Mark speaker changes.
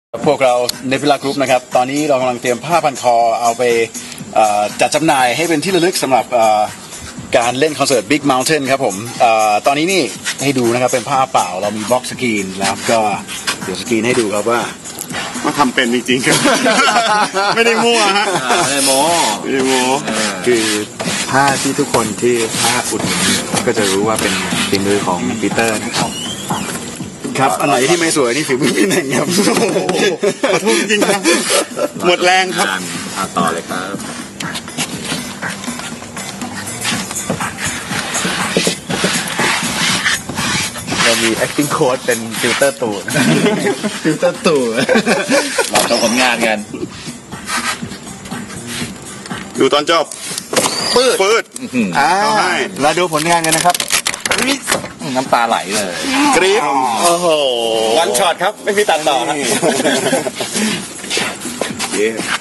Speaker 1: พวกเราเนฟิลากรุ๊ปนะครับตอนนี้เรากำลังเตรียมผ้าพันคอเอาไปจัดจำหน่ายให้เป็นที่ระลึกสำหรับการเล่นคอนเสิร์ต Big Mountain ครับผมตอนนี้นี่ให้ดูนะครับเป็นผ้าเปล่าเรามีบล็อกสกรีนแล้วก็เดี๋ยวสกรีนให้ดูครับว่า
Speaker 2: ทำเป็นจริงๆครับ ไม่ได้มั่วฮะ
Speaker 3: ไม่ได้โม้
Speaker 1: คือผ้าที่ทุกคนที่ผ้าอุดหนุนก็จะรู้ว่าเป็นฝีมือของปีเตอร์นะครับครับอันไหนที่ไม่สวยนี่ฝีมือพี่หนึ่งครับ
Speaker 2: ขอโทษจริงครับหมดแรงครับ
Speaker 3: ต่อเลยครับ
Speaker 1: เรามี acting coach เป็นฟิลเตอร์ตู่
Speaker 3: เราทำผลงานกัน
Speaker 2: ดูตอนจบปืด
Speaker 1: เอาให้เราดูผลงานกันนะครับ
Speaker 3: น้ำตาไหลเลย
Speaker 2: กรี๊ด
Speaker 1: โอ้โห
Speaker 3: วันช็อตครับไม่มีตัดต่อครับ